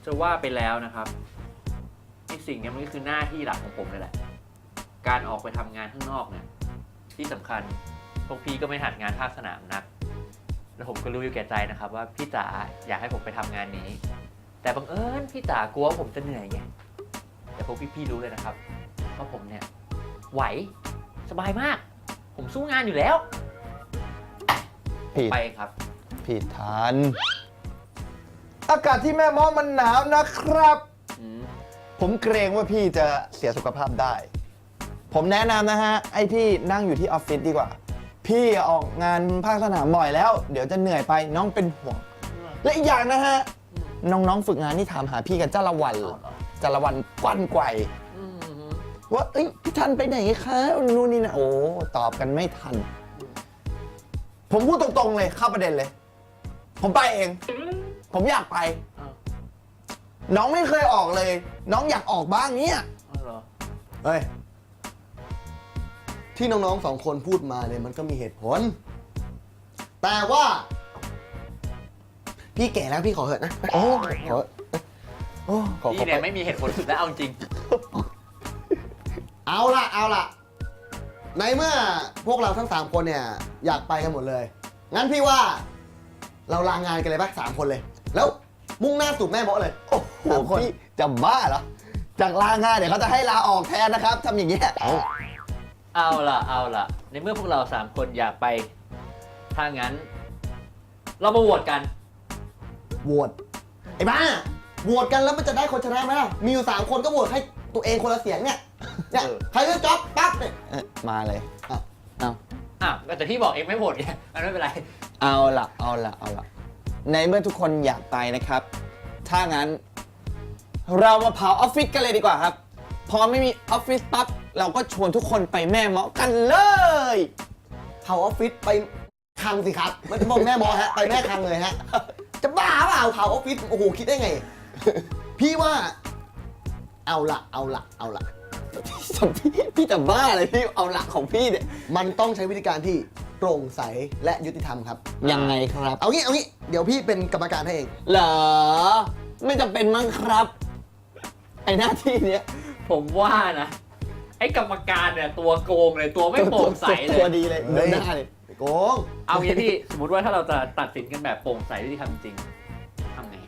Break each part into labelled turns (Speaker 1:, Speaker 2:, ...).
Speaker 1: จะว่าไปแล้วนะครับไอ้สิ่งนี้มันก็คือหน้าที่หลักของผมเลยแหละการออกไปทำงานข้างนอกเนี่ยที่สำคัญพวกพี่ก็ไม่หัดงานภาคสนามนักแล้วผมก็รู้อยู่แก่ใจนะครับว่าพี่จ๋าอยากให้ผมไปทำงานนี้แต่บังเอิญพี่จ๋ากลัวผมจะเหนื่อยไงแต่พวกพี่ๆรู้เลยนะครับว่าผมเนี่ยไหวสบายมาก ผมสู้งานอยู่แล้วไปครับ
Speaker 2: ผิดทันอากาศที่แม่ม้อมันหนาวนะครับผมเกรงว่าพี่จะเสียสุขภาพได้ผมแนะนำนะฮะไอ้พี่นั่งอยู่ที่ออฟฟิศดีกว่าพี่ออกงานภาคสนามบ่อยแล้วเดี๋ยวจะเหนื่อยไปน้องเป็นห่วงและอีกอย่างนะฮะน้องๆฝึกงานนี่ถามหาพี่กันจ้าละวันกวั้นไกวว่าเอ้ยพี่ทันไปไหนคะนู่นนี่นะโอ้ตอบกันไม่ทันผมพูดตรงๆเลยเข้าประเด็นเลยผมไปเองผมอยากไปน้องไม่เคยออกเลยน้องอยากออกบ้างเนี่ย
Speaker 3: เฮ้ยที่น้องๆ2 คนพูดมาเนี่ยมันก็มีเหตุผลแต่ว่าพี่แก่แล้วพี่ขอเถอะนะ
Speaker 2: โอ้
Speaker 3: ขอ
Speaker 1: พี่เนี่ยไม่มีเหตุผลสุดแล้วเอาจริง
Speaker 3: เอาล่ะในเมื่อพวกเราทั้ง3 คนเนี่ยอยากไปกันหมดเลยงั้นพี่ว่าเราลางานกันเลยปะ3 คนเลยแล้วมุ่งหน้าสู่แม่เมาะเลย
Speaker 2: โอ้โหพี่จะบ้าเหรอจากลางานเดี๋ยวเขาจะให้ลาออกแทนนะครับทำอย่างเงี้ย
Speaker 1: เอาล่ะในเมื่อพวกเรา3 คนอยากไปถ้างั้นเรามาโหวตกัน
Speaker 3: โหวตไอ้บ้าโหวตกันแล้วมันจะได้คนชนะไหมล่ะมีอยู่3 คนก็โหวตให้ตัวเองคนละเสียงเนี่ยใครเลือกจ๊อบปั๊บเนี่ย
Speaker 2: มาเลย
Speaker 1: แต่ที่บอกเองไม่โหวตไงมันไม่เป็นไร
Speaker 2: เอาล่ะในเมื่อทุกคนอยากไปนะครับถ้างั้นเรามาเผาออฟฟิศกันเลยดีกว่าครับพอไม่มีออฟฟิศปั๊บเราก็ชวนทุกคนไปแม่เมาะกันเลย
Speaker 3: เผาออฟฟิศไปคังสิครับไม่ต้องบอกแม่เมาะฮะไปแม่คังเลยฮะจะบ้าเปล่าเผาออฟฟิศโอ้โหคิดได้ไงพี่ว่าเอาละ
Speaker 2: พี่จะบ้าอะไรพี่เอาหลักของพี่เนี่ย
Speaker 3: มันต้องใช้วิธีการที่โปร่งใสและยุติธรรมครับ
Speaker 2: ยังไงครับ
Speaker 3: เอางี้เดี๋ยวพี่เป็นกรรมการให้เอง
Speaker 2: เหรอไม่จำเป็นมั้งครับไอหน้าที่เนี้ย
Speaker 1: ผมว่านะไอ้กรรมการเนี่ยตัวโกงเลยตัวไม่โปร่งใสเลย
Speaker 2: ตัวดีเลยเดินหน้าเลย
Speaker 3: โกง
Speaker 1: เอางี้พี่สมมติว่าถ้าเราจะตัดสินกันแบบโปร่งใสยุติธรรมจริงทำไง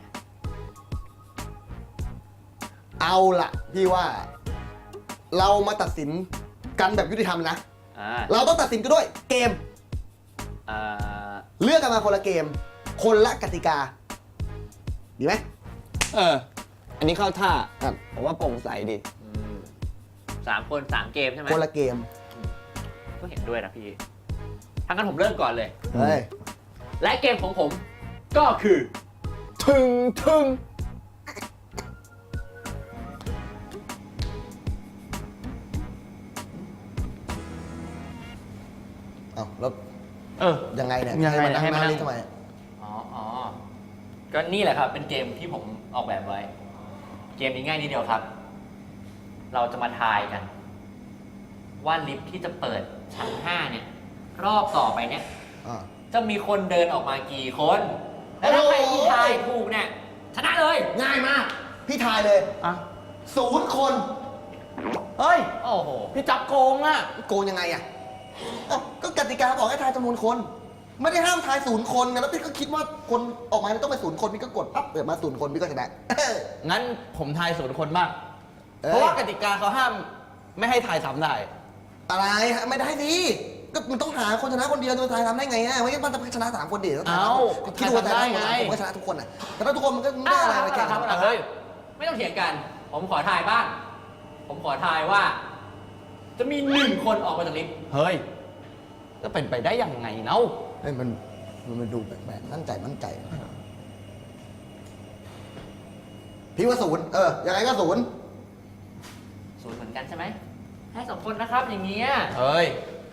Speaker 3: เอาล่ะพี่ว่าเรามาตัดสินกันแบบยุติธรรมนะเราต้องตัดสินกันด้วยเกมเลือกกันมาคนละเกมคนละกติกาดีไหม
Speaker 2: อันนี้เข้าท่าผมว่าโปร่งใสดี
Speaker 1: 3 คน3 เกมใช่ไหม
Speaker 3: คนละเกม
Speaker 1: ก็เห็นด้วยนะพี่ทั้งนั้นผมเริ่มก่อนเลยและเกมของผมก็คือ
Speaker 2: ถึง
Speaker 3: แล้วยังไงเนี่ย
Speaker 1: ให้มานั่ง
Speaker 3: ทำไม
Speaker 1: ก็นี่แหละครับเป็นเกมที่ผมออกแบบไว้เกมนี้ง่ายนิดเดียวครับเราจะมาทายกันว่าลิฟท์ที่จะเปิดชั้น5เนี่ยรอบต่อไปเนี่ยจะมีคนเดินออกมากี่คนแล้วถ้าใครที่ทายถูกเนี่ยชนะเลย
Speaker 3: ง่ายมากพี่ทายเลย0 คน
Speaker 2: เฮ้ย
Speaker 1: โอ้โห
Speaker 2: พี่จับโกงอะ
Speaker 3: โกงยังไงอะก็กติกาบอกให้ทายจำนวนคนไม่ได้ห้ามทาย0 คนไงแล้วพี่ก็คิดว่าคนออกมาต้องเป็น0 คนพี่ก็กดปั๊บเปิดมา0 คนพี่ก็ชนะ
Speaker 2: งั้นผมทาย0 คนบ้างเพราะว่ากติกาเขาห้ามไม่ให้ทายซ้ำได้
Speaker 3: อะไรไม่ได้สิก็มันต้องหาคนชนะคนเดียวจะทายซ้ำได้ไงฮะไม่งั้นมันจะชนะ3 คนเดียว
Speaker 2: คิดดูได้ไง
Speaker 3: ผมก็ชนะทุกคนอ่ะแต่ถ้าทุกคนมันก็ไม่ได้อะไรแข่งกัน
Speaker 1: เฮ้ยไม่ต้องเถียงกันผมขอทายบ้างผมขอทายว่าจะมี1 คนออกมาจากลิฟต์
Speaker 2: เฮ้ยจะเป็นไปได้ยังไงเนาะ
Speaker 3: มันดูแปลกๆมั่นใจพี่ว่า0ยังไงก็0
Speaker 1: เหมือนกันใช่ไหมให้2 คนนะครับอย่างเงี้ย
Speaker 2: เฮ้ย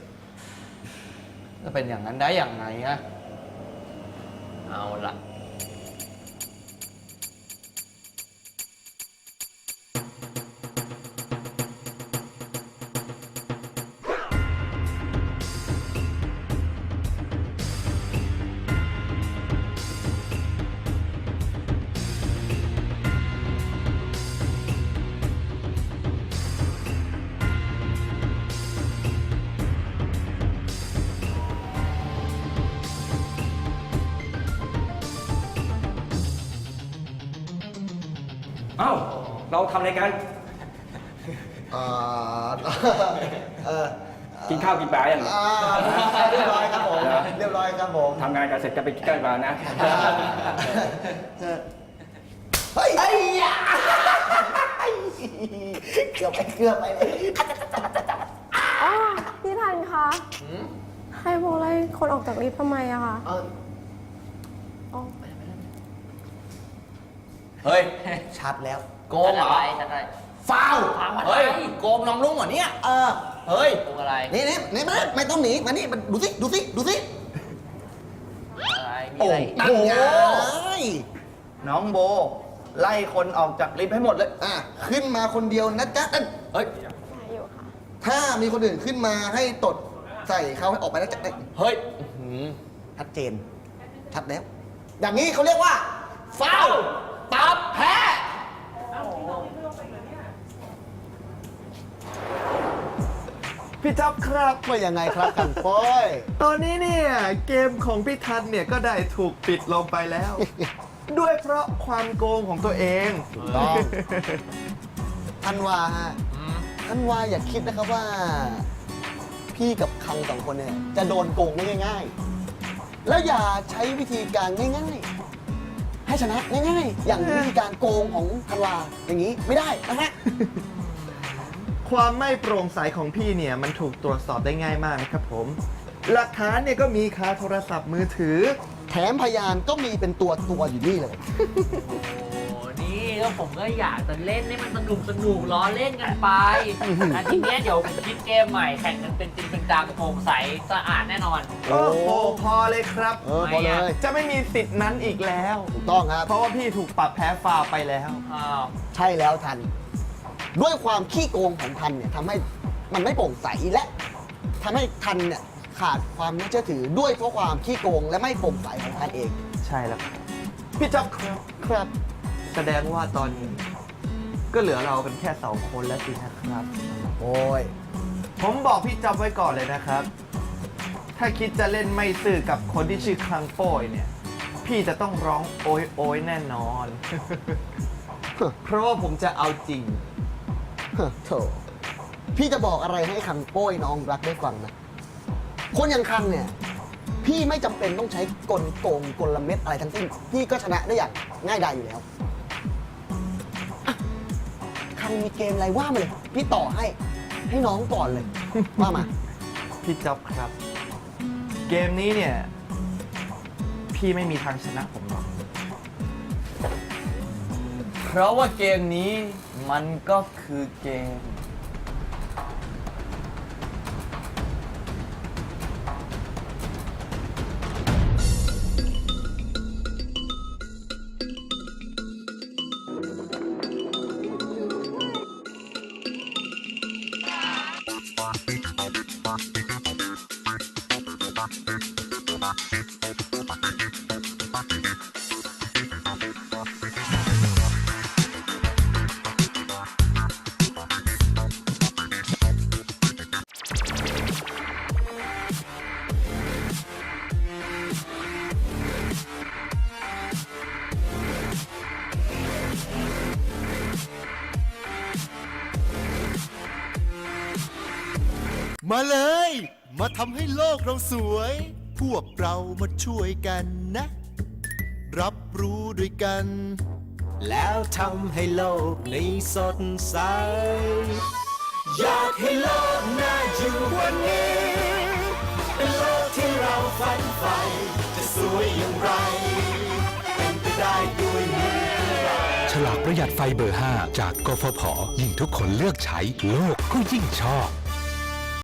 Speaker 2: จะเป็นอย่างนั้นได้ยังไงฮะ
Speaker 1: เอาล่ะ
Speaker 4: เอ้า เราทำอะไรกัน
Speaker 3: เอ่อเออ
Speaker 4: กินข้าวกินปลาอย่าง
Speaker 3: เรียบร้อยครับผม เรียบร้อยครับผม
Speaker 4: ทำงานกันเสร็จจะไปกินข้าวกินปลานะ
Speaker 3: เฮ้ยเกือบไปเลย
Speaker 5: อ๋อพี่ทันคะให้พวกไล่คนออกจากลิฟต์ทำไมอะคะ
Speaker 3: เอา
Speaker 5: อ๋อ
Speaker 2: เฮ้ย
Speaker 3: ชัดแล้ว
Speaker 2: โกงเหรอ
Speaker 3: ฟาว
Speaker 2: เฮ้ย โกงน้องลุงเหรอเนี่ย เฮ้ย
Speaker 1: โกงอะไร
Speaker 3: นี่ไม่ต้องหนีมานี่มันดูสิ
Speaker 1: อะไร มี
Speaker 2: โอ้
Speaker 1: อะไร
Speaker 3: นั่นไง
Speaker 2: น้องโบ ไล่คนออกจากลิฟต์ให้หมดเลย
Speaker 3: ขึ้นมาคนเดียวนะจ๊ะนั่น
Speaker 2: เฮ้ย
Speaker 5: ได้อยู่ค่ะ
Speaker 3: ถ้ามีคนอื่นขึ้นมาให้ตดใส่เขาให้ออกไปนะจ๊ะ
Speaker 2: เฮ้ย
Speaker 3: ชัดเจน ชัดแล้ว อย่างนี้เขาเรียกว่าฟาว
Speaker 2: ตับแพ้ พี่จ๊อบครับ
Speaker 3: ว่ายังไงครับกันโป้ย
Speaker 2: ตอนนี้เนี่ยเกมของพี่ทันเนี่ยก็ได้ถูกปิดลงไปแล้ว ด้วยเพราะความโกงของตัวเอง
Speaker 3: ถูกต้อง ท่านว่าฮะท่านว่าอย่าคิดนะครับว่า พี่กับคังสองคนเนี่ยจะโดนโกงได้ง่ายๆ แล้วอย่าใช้วิธีการง่ายๆ ให้ชนะง่ายๆ อย่างวิธีการโกงของธันวาอย่างนี้ไม่ได้นะฮะ
Speaker 2: ความไม่โปร่งใสของพี่เนี่ยมันถูกตรวจสอบได้ง่ายมากนะครับผม หลักฐานเนี่ยก็มีคาโทรศัพท์มือถือ
Speaker 3: แถมพยานก็มีเป็นตัวอยู่นี่เลย
Speaker 1: โอ้นี่ก็ผมก็อยากจะเล่นให้มันสนุกล้อเล่นกันไปแต่ทีเนี้ยเดี๋ยวผมคิดเกมใหม่แข่งกันเป็นจริงเป็นจังโปร่งใสสะอาดแน่นอน
Speaker 2: โอ้โหพอเลยครับ
Speaker 3: พอเลย
Speaker 2: จะไม่มีสิทธิ์นั้นอีกแล้ว
Speaker 3: ถูกต้องครับ
Speaker 2: เพราะว่าพี่ถูกปรับแพ้ฟาวไปแล้ว
Speaker 1: อ้าว
Speaker 3: ใช่แล้วทัน ด้วยความขี้โกงของทันเนี่ยทำให้มันไม่โปร่งใสและทำให้ทันเนี่ยขาดความน่าเชื่อถือด้วยเพราะความขี้โกงและไม่โปร่งใสของทันเอง
Speaker 2: ใช่แล้วครับพี่จ๊อบครับ
Speaker 3: ครับ
Speaker 2: แสดงว่าตอนนี้ก็เหลือเรากันแค่2 คนแล้วสินะครับ
Speaker 3: โอ้ย
Speaker 2: ผมบอกพี่จ๊อบไว้ก่อนเลยนะครับ ถ้าคิดจะเล่นไม่ซื่อกับคนที่ชื่อคลังโป้ยเนี่ย พี่จะต้องร้องโอยโอยแน่นอน เพราะว่าผมจะเอาจริง
Speaker 3: โถพี่จะบอกอะไรให้คังโป้ยน้องรักได้ฟังนะ คนอย่างคังเนี่ย พี่ไม่จำเป็นต้องใช้กลโกงกลเม็ดอะไรทั้งสิ้น พี่ก็ชนะได้อย่างง่ายดายอยู่แล้วอ่ะคังมีเกมอะไรว่ามาเลย พี่ต่อให้น้องก่อนเลย ว่ามา
Speaker 2: พี่จ๊อบครับ เกมนี้เนี่ย พี่ไม่มีทางชนะผมหรอก เพราะว่าเกมนี้มันก็คือเกม
Speaker 6: มาเลย มาทำให้โลกเราสวย พวกเรามาช่วยกันนะ รับรู้ด้วยกัน แล้วทำให้โลกนี้สดใส อยากให้โลกน่าอยู่กวันนี้ เป็นโลกที่เราฝันใฝ่จะสวยอย่างไร เป็นไปได้ด้วยมือเรา
Speaker 7: ฉลากประหยัดไฟเบอร์ 5 จากกฟผ ยิ่งทุกคนเลือกใช้โลกก็ยิ่งชอบ